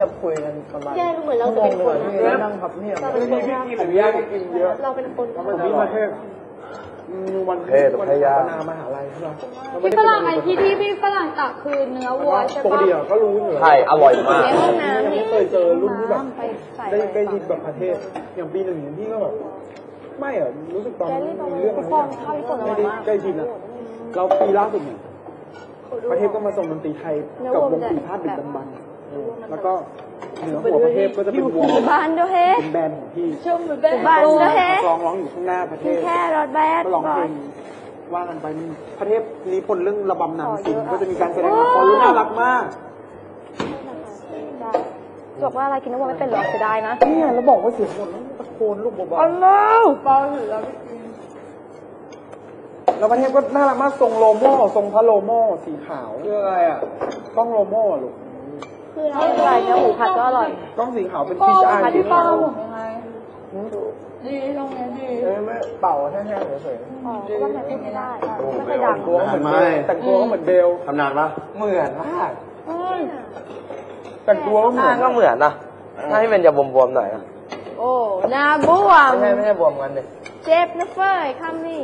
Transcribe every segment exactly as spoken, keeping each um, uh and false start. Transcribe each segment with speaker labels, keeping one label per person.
Speaker 1: จะคุยกันประมาณ
Speaker 2: แย่เหมือนเราจะเป็นคนนะ
Speaker 1: นั่งพับเพียบ
Speaker 2: เราเป็นคนนะ
Speaker 1: ผมยากกินเยอะ
Speaker 2: เราเป็นคน
Speaker 1: ผมมีประเทศวัน
Speaker 3: เทศพยา
Speaker 1: นามหาลัยใช่ไหม
Speaker 4: พี่ฝรั่งไอ้ที่ที่พี่ฝรั่งตักคือเนื้อวัวใช่
Speaker 1: ปก
Speaker 4: ปะ
Speaker 1: ติก็รู้อยู่
Speaker 3: ใช่อร่อยมาก
Speaker 2: ในห้องน้ำ
Speaker 1: ไม่
Speaker 2: นี่
Speaker 1: เคยเจอรุ่นที่แบบ
Speaker 2: ไปใส่
Speaker 1: ได้ได้ยินแบบประเทศอย่างปีหนึ่งที่ก็แบบไม่อะรู้สึกตอนมีเรื่องอะไรไม่ได้ได้ยินอะเราปีล่าสุดเนี่ยประเทศก็มาส่งดนตรีไทยกับวงปีพาดดึกดำบรรพ์แล้วก็เหนือหัวประเทศก็จะเป็นวง
Speaker 2: บ้านด้วยเฮ้
Speaker 1: เป็นแบรนด์ของพี่
Speaker 4: ชุ่มเหมือนเป็น
Speaker 2: บ้านด้วยเฮ้
Speaker 1: ร้องร้องอยู่ข้างหน้าประเทศ
Speaker 2: แค่รถแบด
Speaker 1: ก็ร้องเพลงว่ากันไปมันประเทศนี้คนเรื่องระบำนำสิงก็จะมีการแสดงละครน่ารักมาก
Speaker 2: จบว่าอะไรกินน้ำมันไม่เป็นหรอเสียดายนะ
Speaker 1: เนี่ยแล้วบอกว่าเสียงคนต้องตะโกนลูกเบา
Speaker 2: อ๋อเล่า
Speaker 4: เบาหรือเราไม่กิน
Speaker 1: ๆแล้วประเทศก็น่ารักมากทรงโลโม่ทรงพระโลโม่สีขาวคืออะไรอ่ะกล้องโลโม่ลูก
Speaker 2: คืออะไรเนื้อหมูผัดก็อร่อย
Speaker 1: กล้องสีขาวเป็น
Speaker 4: ก็
Speaker 1: พีชอาร์
Speaker 4: ที่ป้าเราหมดยังไงดีตรงนี้ดี
Speaker 1: เอ้ยไม่เป่าแห้งๆเฉย
Speaker 2: อ๋อก็มันพูดไม่ได้ไม่เคยดัง
Speaker 1: ๆตัวก็เหมือนเบลแต่งตัวก็เหมือนเบล
Speaker 3: ทำนานปะ
Speaker 1: เหมือนมากแต่งตัวก็เหมือน
Speaker 3: ก็เหมือนนะถ้าให้มันจะบวมๆหน่อยนะ
Speaker 2: โอ้นาบวม
Speaker 3: ไม่ใช่ไม่ใช่บวมกันเลย
Speaker 2: เจ็บนะเฟ้ยคำนี้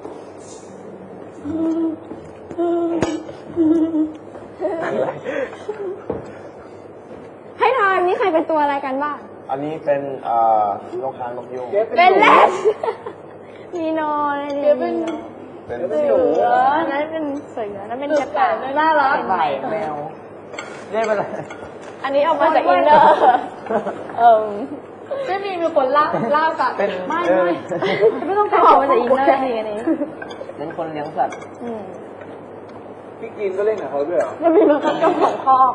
Speaker 2: ให้ทายนี่ใครเป็นตัวอะไรกันบ้าง
Speaker 3: อันนี้เป็นเอ่อนกค้างนกยูง
Speaker 2: เป็นแรดมีนอนนี่เป็น
Speaker 3: เป็น
Speaker 2: เสือนั่นเป็นเสือนั่นเป็นกระต่าย
Speaker 4: น่ารัก
Speaker 1: ใส่แมว
Speaker 3: นี่เป็นอะไร
Speaker 2: อันนี้ออกมาจากอินเดอร์เออ
Speaker 4: ไม่มีมีคนเล่าเล่ากับ
Speaker 3: เป็น
Speaker 4: ไม่ไม่ไม่ต้อง
Speaker 2: ออกมาจากอินเดอร์จริงอันนี้
Speaker 3: เป็นคนเลี้ยงสัตว์
Speaker 2: อืม
Speaker 1: พี่กินก็เล่นกับเขาด้วยเหรอ
Speaker 2: มันมีมันก็เจ้าของคอก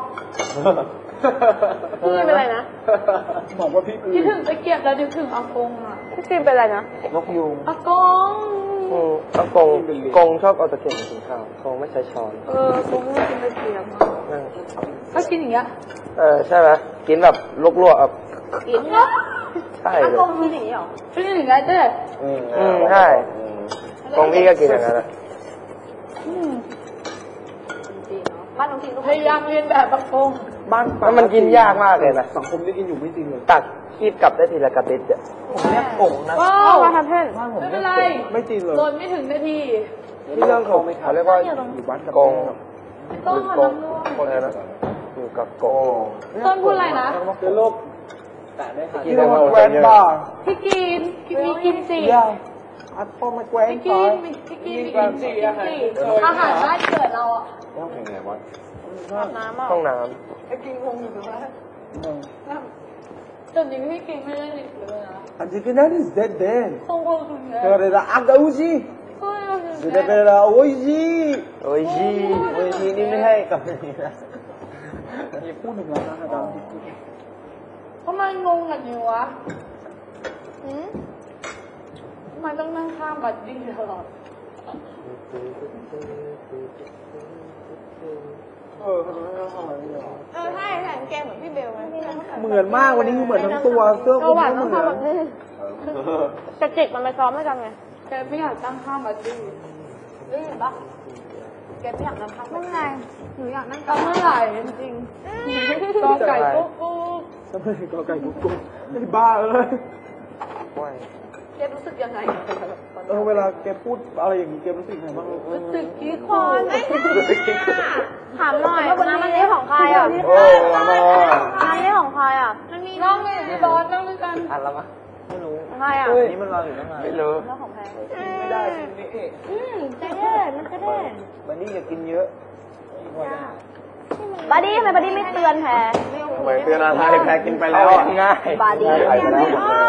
Speaker 2: พี่เป็นอะไรนะ
Speaker 1: บอกว่าพี่
Speaker 4: คิดถึงตะเกียบแล้วนึกถึงอากงอ่ะ
Speaker 2: พี่ฟิล์มเป็นอะไรนะ
Speaker 3: นกยูง
Speaker 4: อากง
Speaker 3: อืมแล้วกงกงชอบเอาตะเกียบมากินข้าวกงไม่ใช้ช้อน
Speaker 4: เออกงไม่กินตะเกียบอ่ะ
Speaker 3: นั่ง
Speaker 4: ก็กินอย่างเงี้ย
Speaker 3: เออใช่ไหมกินแบบลวกๆอ่ะ
Speaker 2: กินเนาะ
Speaker 3: ใช่
Speaker 2: อา
Speaker 3: เลย
Speaker 2: กงมีอย่างนี้หรอ
Speaker 4: กินอย่างเงี้ยเจ๊
Speaker 3: อืมใช่กงพี่ก็กินอย่างนั้นแหละ
Speaker 2: บ้านน้องทีมก็
Speaker 4: พยายามเรียนแบบอากง
Speaker 1: บ้าน
Speaker 3: แล้วมันกินยากมากเลยนะ
Speaker 1: สังคมที่กินอยู่ไม่จริงเลย
Speaker 3: ตักคีบกลับได้ทีละกระติดอ่ะ
Speaker 1: ผมเรียกกงนะ
Speaker 4: ก็
Speaker 2: เอามาทำเพ่น
Speaker 1: บ้านผม
Speaker 4: ไม่
Speaker 1: เรี
Speaker 4: เป็
Speaker 1: ย
Speaker 4: น
Speaker 1: ก
Speaker 4: ไร
Speaker 1: กงไม่จริงเลย
Speaker 4: โดนไม่ถึงนาที
Speaker 3: ที่เรื่องของเขาเรียกว่า
Speaker 1: อยู่บ้านกับ
Speaker 3: กง
Speaker 4: ต้น
Speaker 3: ก
Speaker 4: ขน
Speaker 3: ง
Speaker 4: มร่วง
Speaker 3: คนอะไรนะอยู่กับกง
Speaker 4: ต้นพูดอะไรนะ
Speaker 1: เจอโลกแต่ได้ค่ะ
Speaker 3: กิ
Speaker 1: ที่
Speaker 3: น
Speaker 1: เรา
Speaker 3: เรา
Speaker 1: แกรนบาร์
Speaker 4: พี่กินมีกินสิ
Speaker 1: ยาอัดพอมาแกรน
Speaker 4: พี่
Speaker 1: บา
Speaker 4: กิน
Speaker 1: ร์
Speaker 4: มีพี่กินมีกินสิอาหารบ้านเกิดเราอ่ะ
Speaker 3: ต้องเพลงไงวะ
Speaker 2: อาบน้ำอ่ะ
Speaker 3: ห้องน้
Speaker 4: ไอ้กินคงอยู่ตรงนั้นจนนี้พี่กินไม่ได้เลยนะ
Speaker 1: อันที่นั่น is dead then
Speaker 4: คงคงถึงแล้ว
Speaker 1: เกิดอะไรอักอุจิ
Speaker 4: ก็ยังถึง
Speaker 1: เกิดอะไรโอ้ยจี
Speaker 3: ำโอ้ยจี
Speaker 1: โอ้ยจีนี่ไม่ให้กับนี่นะอย่าพูดถึงแล้วนะอาจารย์
Speaker 4: ทำไมงงกันอยู่วะ
Speaker 2: อืม
Speaker 4: ทำไมต้องนั่งข้ามบัดดี้ตลอด
Speaker 1: เออทำไมไม่ทำอะไรเนี่ย
Speaker 2: เออใช่ใส่กางเกงเหมือนพี่เบลไหม
Speaker 1: เหมือนมากวันนี้คือเหมือนทั้งตัวเสื้อค
Speaker 2: ก็
Speaker 1: ลุม
Speaker 2: หวาน
Speaker 1: ก็
Speaker 2: ต้อง
Speaker 1: เหมือน
Speaker 2: ทำแบบนี้จะจิกมันไปซ้อมด้วยกันไง
Speaker 4: แกไม่อยากตั้งข้ามบัดดี้
Speaker 2: นี่เห็นปะแกไม่อยากนั่งข้างไม่เป็นไรหนูอยากนั่ง
Speaker 4: ตั้งเมื่อไหร่จริงๆกอไก่กุ๊กกุ๊ก
Speaker 1: ทำไมกอไก่กุ๊กกุ๊กไอ้บ้าเอ้ย
Speaker 2: แกรู้สึกยังไง
Speaker 1: เออเวลาแกพูดอะไรอย่างนี้แกรู้สึกไงบ้าง
Speaker 4: รู้สึกกี้ค
Speaker 2: ค
Speaker 4: อน
Speaker 2: ไม่ถามหน่อยน้ำมันนี้ของใครอ่ะ
Speaker 3: โอ้มา
Speaker 2: น้ำนี้ของใครอ่ะ
Speaker 4: น้องเลยพี่บอสนั่งด้วยกัน
Speaker 3: อันละมั้ยไม่รู้
Speaker 2: ของใครอ่ะ
Speaker 1: นี่มันรออยู่ตั้งนาน
Speaker 3: ไม่รู้
Speaker 2: แล้วของใคร
Speaker 1: ไม่ได้จริงนี่เอ๊ะ
Speaker 2: อืมจะเด่นมันจะเด่น
Speaker 1: วันนี้อย่ากินเยอะ
Speaker 2: บาดี้ทำไมบาดี้ไม่เตือนแพร
Speaker 3: เหมือนเตือนอะไรแพ้กินไปแล้วง่าย
Speaker 2: บาดี้
Speaker 3: ไปแล้ว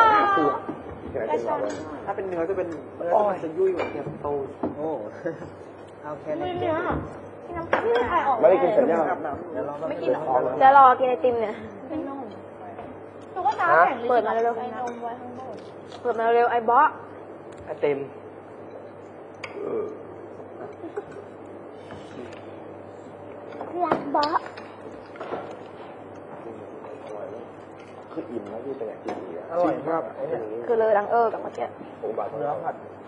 Speaker 1: ถ้าเป็นเนื้อจะเป็นเนื้อมันจะยุ่ยกว่าเทียมโตโอ้เอาแค่นี้
Speaker 2: เนื้อที่น้ำที่ใครออก
Speaker 3: ไม่ได้กินเสร็จยัง
Speaker 2: ไม่กินหรอจะรอกินไอติมเนี่ยหนูก็ตาแข็งเปิดมาเร็วๆไอ้นมไว้ข้างบนเปิดมาเร็วไอ้บ๊อ
Speaker 3: ไอเต็ม
Speaker 2: รักบ๊อ
Speaker 3: คืออิ่มแล้วที่เป็นอย่างที่ดี
Speaker 1: อร่อยมาก
Speaker 2: คือเลยดังเออกับเมื่อกี้
Speaker 3: โอ้บาท
Speaker 1: เนื้อผัด